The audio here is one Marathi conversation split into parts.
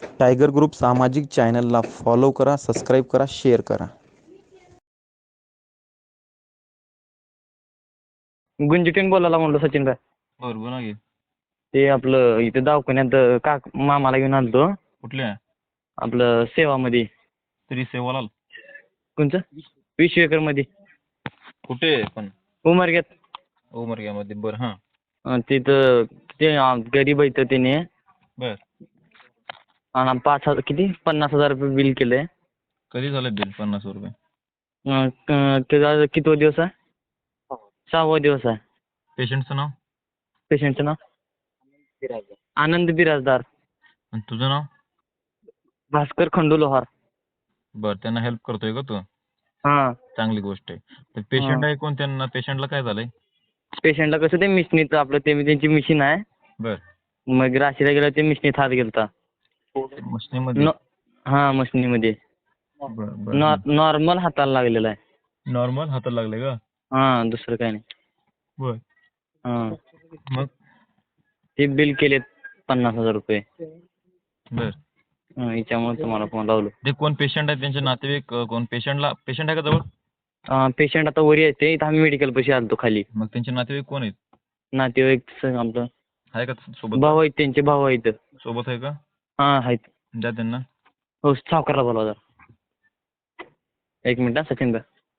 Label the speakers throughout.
Speaker 1: टायगर ग्रुप सामाजिक चॅनलला फॉलो करा, सबस्क्राईब करा, शेअर करा.
Speaker 2: गुंजिटीन बोलायला म्हणलो सचिन भाई.
Speaker 3: बरं बोला की.
Speaker 2: ते आपलं इथे दवाखान्यात मामाला घेऊन आलतो.
Speaker 3: कुठल्या?
Speaker 2: आपलं सेवामध्ये.
Speaker 3: तरी सेवालाल
Speaker 2: कोणचं? विश्वेकरमध्ये.
Speaker 3: कुठे पण?
Speaker 2: उमरग्यात.
Speaker 3: उमरग्यामध्ये. बरं हां.
Speaker 2: तिथं ते गरीब आहे तर त्याने
Speaker 3: बर.
Speaker 2: आणि 5,000 किती 50,000 रुपये बिल केलंय.
Speaker 3: कधी झालं बिल 50 रुपये?
Speaker 2: त्याचा कितवा दिवस आहे? 6वा दिवस आहे.
Speaker 3: पेशंटचं नाव?
Speaker 2: पेशंटचं नाव आनंद बिराजदार.
Speaker 3: आणि तुझं नाव?
Speaker 2: भास्कर खंडू लोहार.
Speaker 3: बरं, त्यांना हेल्प करतोय का तू?
Speaker 2: हां.
Speaker 3: चांगली गोष्ट आहे. तर पेशंट आहे कोण? त्यांना पेशंटला काय झालंय?
Speaker 2: पेशंटला कसं ते मिशनीचं आपलं त्यांची मिशीन आहे.
Speaker 3: बर.
Speaker 2: मग राशीला गेला ते मिशनीत हात गेलता.
Speaker 3: मशनीमध्ये?
Speaker 2: हां मशनीमध्ये.
Speaker 3: बरं बरं.
Speaker 2: नॉर्मल हाताला लागलेला आहे.
Speaker 3: नॉर्मल हाताला लागले का?
Speaker 2: हां दुसरं काही नाही.
Speaker 3: बर.
Speaker 2: हां
Speaker 3: मग?
Speaker 2: ते बिल केलेत 50,000 रुपये.
Speaker 3: बर.
Speaker 2: याच्यामुळे तुम्हाला फोन लावलो.
Speaker 3: ते कोण पेशंट आहे? त्यांचे नातेवाईक कोण? पेशंट आहे का जवळ?
Speaker 2: पेशंट आता वरी येते. इथं आम्ही मेडिकल पाशी आलतो खाली.
Speaker 3: मग त्यांचे नातेवाईक कोण आहेत?
Speaker 2: नातेवाईक आमचं
Speaker 3: आहे का सोबत?
Speaker 2: भाऊ आहेत, त्यांचे भाऊ आहेत.
Speaker 3: सोबत आहे का?
Speaker 2: हां आहेत.
Speaker 3: द्या त्यांना.
Speaker 2: हो सावकारला बोलवा जरा. 1 मिनिट हा सचिन भाई.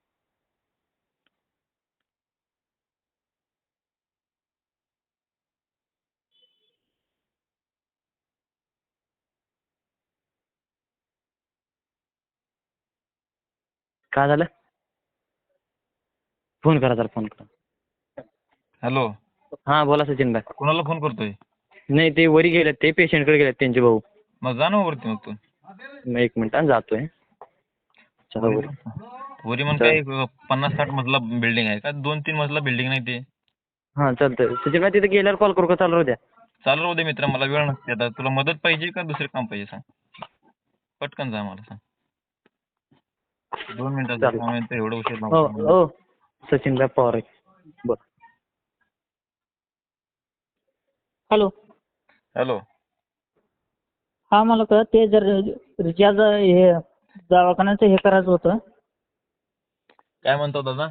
Speaker 2: काय झालं? फोन करा जरा, फोन करा.
Speaker 3: हॅलो.
Speaker 2: हां बोला सचिन भाई.
Speaker 3: कोणाला फोन करतोय?
Speaker 2: नाही ते वरी गेलेत, ते पेशंटकडे गेलेत त्यांचे भाऊ.
Speaker 3: मग जा ना वरती मग तू.
Speaker 2: 1 मिनिट जातोय. चला वरी.
Speaker 3: वरी मग काय 50-60 मजला बिल्डिंग आहे का? 2-3 मजला बिल्डिंग नाही ते?
Speaker 2: हां चालतंय. सचिन भाई तिथे गेल्यावर कॉल करू का चालू राहू द्या?
Speaker 3: चालू राहू दे मित्रा, मला वेळ नसते आता. तुला मदत पाहिजे का दुसरे काम पाहिजे सांग? पटकन जा, मला सांग. 2 मिनिटात एवढं उशीर नको.
Speaker 2: हो सचिन भाई पवार आहे. बरं.
Speaker 4: हॅलो.
Speaker 3: हॅलो.
Speaker 4: हा मला का ते जर रिचार्ज हे दवाखान्याचं हे करायचं होतं.
Speaker 3: काय म्हणतो दादा?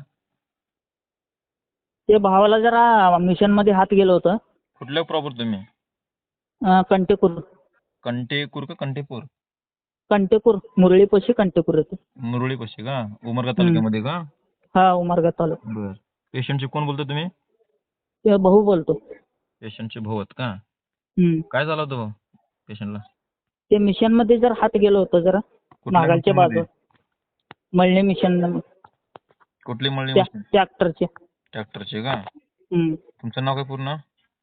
Speaker 4: ते भावाला जरा मिशन मध्ये हात गेलं होतं.
Speaker 3: कुठल्या प्रॉपर तुम्ही?
Speaker 4: कंटेपूर.
Speaker 3: कंटेपूर का कंटेपूर?
Speaker 4: कंटेपूर मुरळीपाशी कंटेपूर येते.
Speaker 3: मुरळीपाशी का? उमरगा तालुक्यामध्ये का?
Speaker 4: हा उमरगा तालुका.
Speaker 3: बर. पेशंटचे कोण बोलतो तुम्ही?
Speaker 4: ते भाऊ बोलतो.
Speaker 3: पेशंटचे भाऊ आहेत का?
Speaker 4: हम्म.
Speaker 3: काय झालं होतं पेशंटला?
Speaker 4: ते मिशन मध्ये जर हात गेलं होतं जरा मागालच्या बाजू मळणे मिशन.
Speaker 3: कुठली मळणी?
Speaker 4: ट्रॅक्टरचे.
Speaker 3: ट्रॅक्टरचे का? तुमचं नाव काय पूर्ण?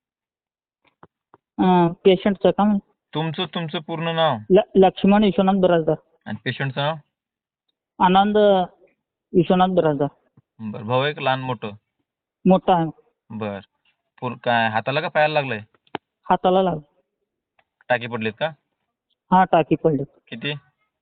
Speaker 4: पेशंटचं का?
Speaker 3: तुमचं पूर्ण नाव?
Speaker 4: लक्ष्मण विश्वनाथ बिराजदार.
Speaker 3: आणि पेशंटचं नाव?
Speaker 4: आनंद विश्वनाथ बिराजदार.
Speaker 3: बर. भाऊ एक लहान मोठं?
Speaker 4: मोठा आहे.
Speaker 3: बर. काय हाताला का पायाला लागलंय?
Speaker 4: हाताला लागलं.
Speaker 3: टाके पडलेत का?
Speaker 4: हा टाकी पडली.
Speaker 3: किती?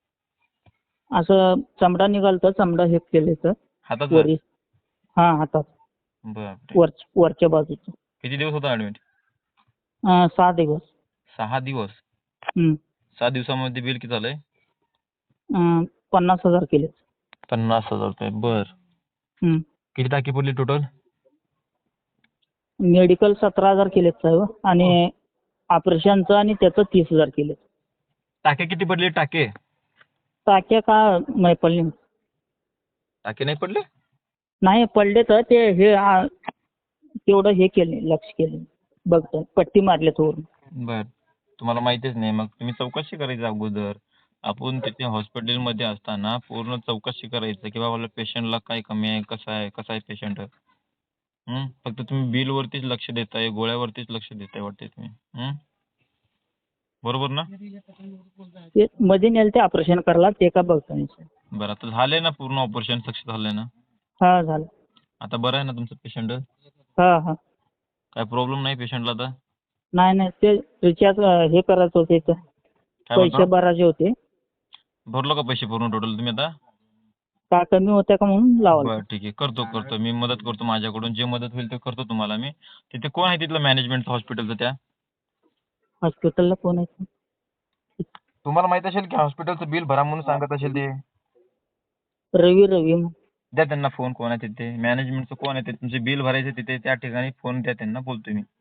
Speaker 4: असं चमडा निघालतं, चमडा हे केले तर
Speaker 3: हातात?
Speaker 4: वरी. हा हातात.
Speaker 3: बर.
Speaker 4: वरच्या बाजूचं.
Speaker 3: किती दिवस होता ऍडमिट?
Speaker 4: 6 दिवस.
Speaker 3: 6 दिवस? 6 दिवसामध्ये बिल किती झालंय?
Speaker 4: 50,000 केले.
Speaker 3: 50,000 रुपये. बर. किती टाकी पडली टोटल?
Speaker 4: मेडिकल 17,000 केलेत साहेब आणि ऑपरेशनचं आणि त्याचं 30,000 केले.
Speaker 3: टाके किती पडले? टाके
Speaker 4: टाक्या का नाही पडले?
Speaker 3: टाके नाही पडले?
Speaker 4: नाही पडले तर ते हे तेवढं हे केले, लक्ष केले बघतो, पट्टी मारले थोडं.
Speaker 3: बर. तुम्हाला माहितीच नाही, मग तुम्ही चौकशी करायची अगोदर. आपण तिथे हॉस्पिटलमध्ये असताना पूर्ण चौकशी करायचं की बाबा पेशंटला काय कमी आहे, कसं आहे पेशंट. फक्त तुम्ही बिल वरतीच लक्ष देताय, गोळ्यावरतीच लक्ष देताय वाटते तुम्ही. बरोबर ना?
Speaker 4: ते मध्ये नेलं ते ऑपरेशन करायला, ते का बघतो.
Speaker 3: बरं, आता झालंय ना पूर्ण ऑपरेशन सक्सेस झालंय ना?
Speaker 4: हा झालं.
Speaker 3: आता बरं आहे ना तुमचं पेशंट?
Speaker 4: हा.
Speaker 3: काय प्रॉब्लेम नाही पेशंटला आता?
Speaker 4: नाही ते रिचार्ज हे करायचं होते, पैसे भरायचे होते.
Speaker 3: भरलो का पैसे पूर्ण टोटल तुम्ही आता?
Speaker 4: का कमी होत्या का म्हणून लावलं.
Speaker 3: बरं ठीक आहे, करतो मी मदत करतो, माझ्याकडून जे मदत होईल ते करतो तुम्हाला मी. तिथे कोण आहे तिथलं मॅनेजमेंट हॉस्पिटलचं? त्या
Speaker 4: हॉस्पिटलला कोण आहे?
Speaker 3: तुम्हाला माहित असेल की हॉस्पिटलचं बिल भरा म्हणून सांगत असेल ते.
Speaker 4: रवी
Speaker 3: द्या त्यांना फोन, कोण आहे तिथे मॅनेजमेंटचं, कोण आहे ते तुमचे बिल भरायचे तिथे त्या ठिकाणी फोन द्या त्यांना, बोलतोय मी.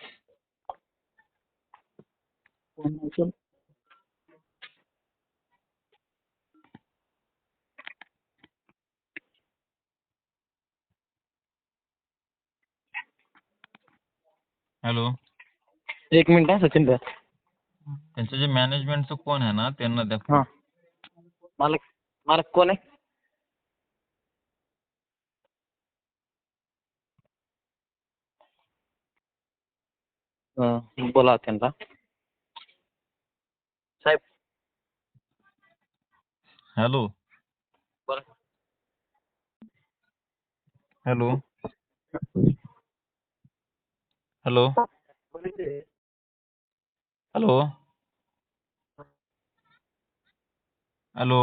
Speaker 3: हॅलो.
Speaker 2: एक मिनिट हा सचिन भाई.
Speaker 3: त्यांचं जे मॅनेजमेंटचं कोण आहे ना त्यांना द्या phone.
Speaker 2: हा. मालक मालक कोण आहे? बोला त्यांना. साहेब
Speaker 3: हॅलो.
Speaker 2: बोला.
Speaker 3: Hello. Hello. Hello. Hello.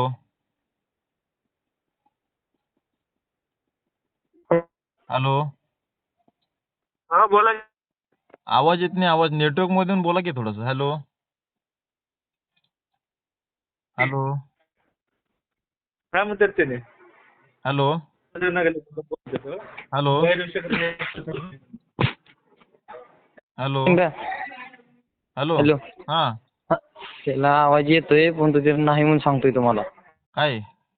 Speaker 3: Hello.
Speaker 5: हा बोला.
Speaker 3: आवाज येत नाही, आवाज नेटवर्क मधून बोला की थोडंसं. हॅलो. हॅलो.
Speaker 5: काय म्हणतात त्याने?
Speaker 3: Hello. Hello. Hello. Hello.
Speaker 2: Hello.
Speaker 3: हा
Speaker 2: हा, त्याला आवाज येतोय पण तो ते नाही म्हणून सांगतोय तुम्हाला.
Speaker 3: काय?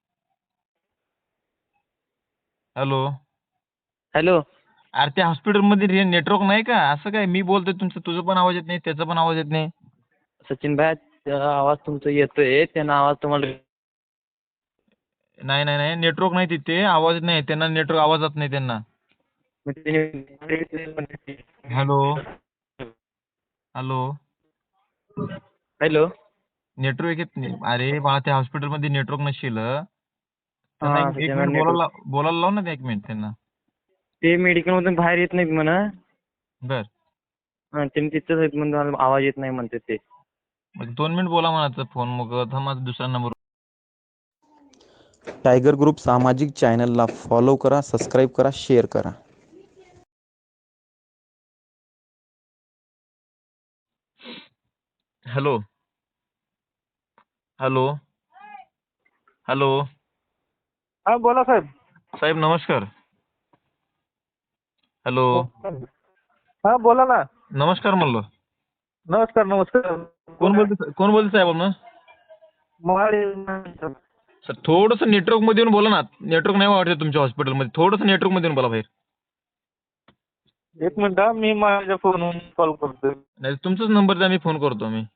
Speaker 3: हॅलो.
Speaker 2: हॅलो.
Speaker 3: अरे त्या हॉस्पिटलमध्ये नेटवर्क नाही का? असं काय मी बोलतोय तुझं पण आवाज येत नाही, त्याचा पण आवाज येत नाही.
Speaker 2: सचिन भाई त्याला आवाज तुमचा येतोय, त्यांना आवाज तुम्हाला.
Speaker 3: नाही नाही नाही, नेटवर्क नाही तिथे, आवाज नाही त्यांना, नेटवर्क आवाजात नाही त्यांना. हॅलो. हॅलो.
Speaker 2: हॅलो.
Speaker 3: नेटवर्क येत नाही. अरे बाळा त्या हॉस्पिटलमध्ये नेटवर्क नसेल, त्यांना
Speaker 2: हा
Speaker 3: एक
Speaker 2: सचिन भाई
Speaker 3: मिनिट
Speaker 2: नेटवर्क
Speaker 3: बोलायला लाव ना, एक मिनिट त्यांना.
Speaker 2: ते मेडिकल मधून बाहेर येत नाहीत म्हणा.
Speaker 3: बर.
Speaker 2: त्यांनी तिथंच आहेत म्हणून आवाज येत नाही म्हणते ते.
Speaker 3: मग 2 मिनिट बोला म्हणायचं फोन, मग थांबा दुसरा नंबर.
Speaker 1: टायगर ग्रुप सामाजिक चॅनलला फॉलो करा, सबस्क्राईब करा, शेअर करा.
Speaker 3: हॅलो. हॅलो. हॅलो.
Speaker 5: हा बोला साहेब.
Speaker 3: साहेब नमस्कार. हॅलो.
Speaker 5: हा बोला ना.
Speaker 3: नमस्कार म्हणलो.
Speaker 5: नमस्कार नमस्कार.
Speaker 3: कोण बोलतोय साहेब आपण?
Speaker 5: महाड.
Speaker 3: सर थोडंसं नेटवर्क मध्ये येऊन बोला ना. नेटवर्क नाही वाटत तुमच्या हॉस्पिटलमध्ये, थोडंसं नेटवर्क मध्ये येऊन बोला बाहेर.
Speaker 5: एक मिनिट हा, मी माझ्या फोनवरून कॉल करतोय.
Speaker 3: नाही तुमचाच नंबर द्या, मी फोन करतो मी.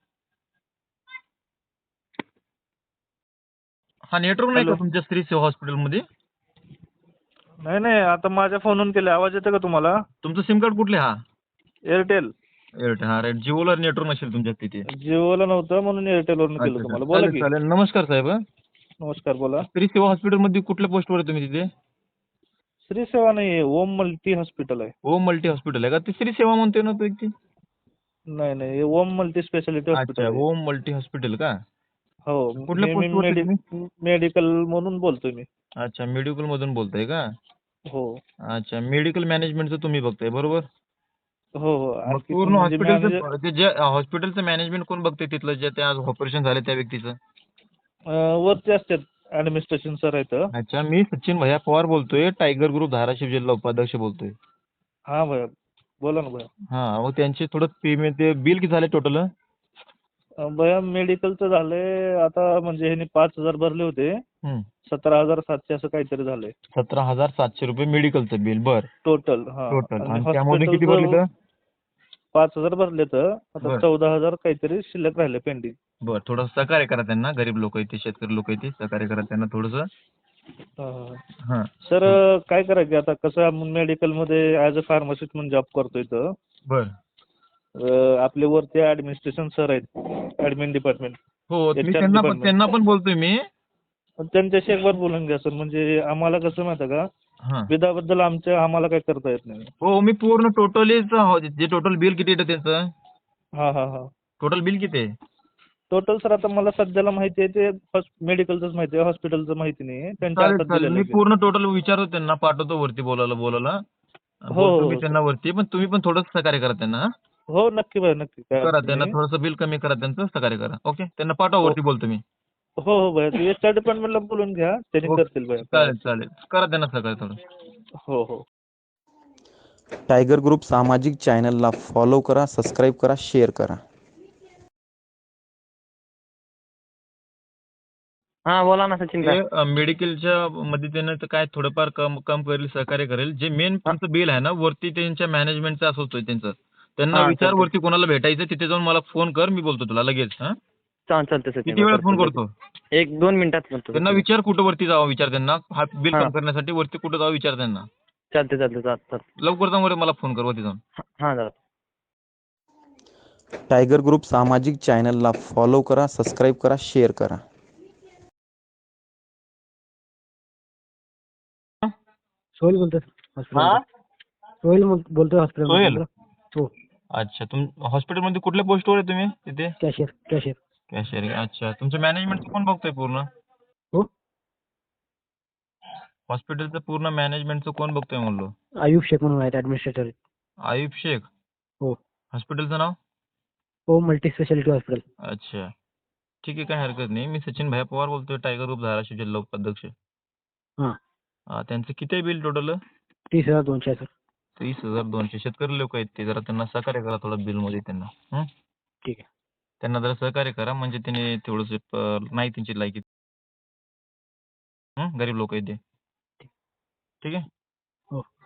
Speaker 3: हा नेटवर्क नाही का
Speaker 5: हॅलो.
Speaker 3: तुमच्या स्त्री सेवा हॉस्पिटलमध्ये?
Speaker 5: नाही नाही, आता माझ्या फोनवरून केले. आवाज येतो का तुम्हाला?
Speaker 3: तुमचं सिम कार्ड कुठले? हा
Speaker 5: एअरटेल.
Speaker 3: एअरटेल. हा राईट. जिओला नेटवर्क नसेल तुमच्या तिथे.
Speaker 5: जिओला नव्हतं म्हणून एअरटेलवरून केलं
Speaker 3: अच्छा अच्छा,
Speaker 5: तुम्हाला. बोला
Speaker 3: चालेल
Speaker 5: की.
Speaker 3: चालेल. नमस्कार साहेब.
Speaker 5: नमस्कार बोला.
Speaker 3: स्त्री सेवा हॉस्पिटलमध्ये कुठल्या पोस्टवर आहे तुम्ही तिथे?
Speaker 5: श्री सेवा नाही, ओम मल्टी हॉस्पिटल आहे.
Speaker 3: ओम मल्टी हॉस्पिटल आहे का? ती श्री सेवा म्हणतोय ना तो व्यक्ती?
Speaker 5: नाही नाही, हे ओम मल्टी स्पेशालिटी हॉस्पिटल
Speaker 3: अच्छा,
Speaker 5: आहे.
Speaker 3: ओम मल्टी हॉस्पिटल का?
Speaker 5: हो.
Speaker 3: कुठल्या
Speaker 5: मी
Speaker 3: पोस्टवर आहे तुम्ही?
Speaker 5: मेडिकल म्हणून बोलतोय मी.
Speaker 3: अच्छा, मेडिकल मधून बोलताय का?
Speaker 5: हो
Speaker 3: अच्छा, मेडिकल मॅनेजमेंटचं तुम्ही बघताय बरोबर?
Speaker 5: हो हो.
Speaker 3: मग
Speaker 5: आणखी
Speaker 3: पूर्ण
Speaker 5: म्हणजे मॅनेजर
Speaker 3: हॉस्पिटलचं ते जे हॉस्पिटलचं मॅनेजमेंट कोण बघतंय तिथलं, जे ते आज ऑपरेशन झालं त्या व्यक्तीचं?
Speaker 5: वरती असतात, ऍडमिनिस्ट्रेशन सर आहेत.
Speaker 3: अच्छा, मी सचिन भैया पवार बोलतोय, टायगर ग्रुप धाराशिव जिल्हा उपाध्यक्ष बोलतोय.
Speaker 5: हा भैया, बोला ना भैया.
Speaker 3: हा, मग त्यांचे थोडं पेमेंट, ते बिल किती झाले टोटल?
Speaker 5: भैया मेडिकलचं झालंय आता, म्हणजे ह्यांनी 5,000 भरले होते. 17,700 असं काहीतरी झालंय
Speaker 3: 17,700 रुपये मेडिकलचं बिल. बर.
Speaker 5: टोटल. हा.
Speaker 3: टोटल.
Speaker 5: आणि
Speaker 3: आणि त्यामध्ये किती भरले
Speaker 5: हॉस्पिटलचं
Speaker 3: तर?
Speaker 5: 5,000 भरले तर आता
Speaker 3: बर.
Speaker 5: 14,000 काहीतरी शिल्लक राहिले पेंडिंग.
Speaker 3: बर, थोडं सहकार्य करा त्यांना. गरीब लोक आहेत ते, शेतकरी लोक आहेत ते, सहकार्य करा त्यांना थोडंसं. हा.
Speaker 5: सर काय करायचं आता, कसं मेडिकलमध्ये ॲज अ फार्मासिस्ट म्हणून जॉब करतोय तर
Speaker 3: बर.
Speaker 5: आपले वरती ऍडमिनिस्ट्रेशन सर आहेत, ऍडमिन डिपार्टमेंट.
Speaker 3: हो, मी
Speaker 5: HR डिपार्टमेंट.
Speaker 3: त्यांना पण बोलतोय मी.
Speaker 5: त्यांच्याशी एकबार बोलून घ्या सर, म्हणजे आम्हाला कसं माहिती आहे का,
Speaker 3: हा.
Speaker 5: बिलाबद्दल आम्हाला काही करता येत नाही.
Speaker 3: हो, मी पूर्ण टोटलीच, जे टोटल बिल किती येतं त्याचं?
Speaker 5: हा हा हा.
Speaker 3: टोटल बिल किती आहे?
Speaker 5: टोटल सर आता मला सध्याला माहिती आहे ते मेडिकलचंच माहिती आहे, हॉस्पिटलचं माहिती नाही. त्यांच्या
Speaker 3: चालेल
Speaker 5: हातात
Speaker 3: चालेल,
Speaker 5: दिलेलं
Speaker 3: मी
Speaker 5: आहे.
Speaker 3: पूर्ण टोटल विचारतो त्यांना, पाठवतो वरती बोलायला.
Speaker 5: हो
Speaker 3: बोलतो
Speaker 5: हो
Speaker 3: मी
Speaker 5: हो सर.
Speaker 3: त्यांना वरती, पण तुम्ही पण थोडंसं सहकार्य करा त्यांना.
Speaker 5: हो नक्की भैया नक्की काय
Speaker 3: करा
Speaker 5: अडचण
Speaker 3: त्यांना
Speaker 5: नाही.
Speaker 3: थोडंसं बिल कमी करा त्यांचं सहकार्य करा. ओके त्यांना पाठवा
Speaker 5: हो
Speaker 3: वरती बोलतो मी.
Speaker 5: हो हो भैया तू HR डिपार्टमेंटला बोलून घ्या त्यांनी
Speaker 3: ओके.
Speaker 5: करतील भैया काय
Speaker 3: चालेल
Speaker 5: अडचण
Speaker 3: चालेल करा त्यांना सहकार्य थोडं.
Speaker 5: नाही. हो हो
Speaker 1: टायगर ग्रुप सामाजिक चॅनलला फॉलो करा, सबस्क्राईब करा, शेअर करा.
Speaker 2: हा बोला ना सचिन काय.
Speaker 3: ते मेडिकलच्या मदतीने तर काय थोडंफार कम कम करेल, सहकार्य करेल. जे मेन तुमचं बिल आहे ना वरती त्यांच्या मॅनेजमेंटचं असं होतं त्यांचं. त्यांना
Speaker 2: हा
Speaker 3: विचार
Speaker 2: चालतंय.
Speaker 3: वरती कोणाला भेटायचं तिथे जाऊन मला फोन कर, मी बोलतो तुला लगेच. हा
Speaker 2: चालतंय सचिन
Speaker 3: किती वेळात फोन करतो?
Speaker 2: 1-2 मिनिटात करतो
Speaker 3: त्यांना
Speaker 2: सचिन.
Speaker 3: विचार कुठं वरती जावं, विचार त्यांना हा बिल
Speaker 2: हा.
Speaker 3: कम करण्यासाठी वरती कुठं जावं विचार त्यांना.
Speaker 2: चालतंय.
Speaker 3: लवकर जाऊन मला फोन कर वरती जाऊन.
Speaker 2: हा जाऊ.
Speaker 1: टायगर ग्रुप सामाजिक चॅनलला फॉलो करा, सबस्क्राईब करा, शेअर करा.
Speaker 6: सोहेल बोलतोय
Speaker 3: हा
Speaker 6: सोहेल बोलतोय हॉस्पिटल
Speaker 3: सोहेल?
Speaker 6: हो
Speaker 3: अच्छा हॉस्पिटलमध्ये कुठल्या पोस्टवर आहे तुम्ही तिथे?
Speaker 6: Cashier
Speaker 3: cashier. अच्छा तुमचं मॅनेजमेंट कोण बघतोय पूर्ण?
Speaker 6: हो
Speaker 3: हॉस्पिटलचं पूर्ण मॅनेजमेंटचं कोण बघतोय म्हणलो?
Speaker 6: आयुब शेख म्हणून आहेत ऍडमिनिस्ट्रेटर.
Speaker 3: आयुब शेख.
Speaker 6: हो
Speaker 3: हॉस्पिटलचं नाव?
Speaker 6: हो मल्टी स्पेशालिटी हॉस्पिटल.
Speaker 3: अच्छा ठीक आहे काही हरकत नाही. मी सचिन भाई पवार बोलतोय टायगर ग्रुप धाराशिव जिल्हा उपाध्यक्ष.
Speaker 6: हां
Speaker 3: त्यांचं किती आहे बिल टोटल?
Speaker 6: 30,200 सर.
Speaker 3: 30,200. शेतकरी लोक आहेत ते, जरा त्यांना सहकार्य करा थोडं बिल मध्ये त्यांना.
Speaker 6: ठीक आहे.
Speaker 3: त्यांना जरा सहकार्य करा म्हणजे त्याने थोडंसं नाही त्यांची लायकी. गरीब लोक आहेत ते. ठीक आहे.
Speaker 6: हो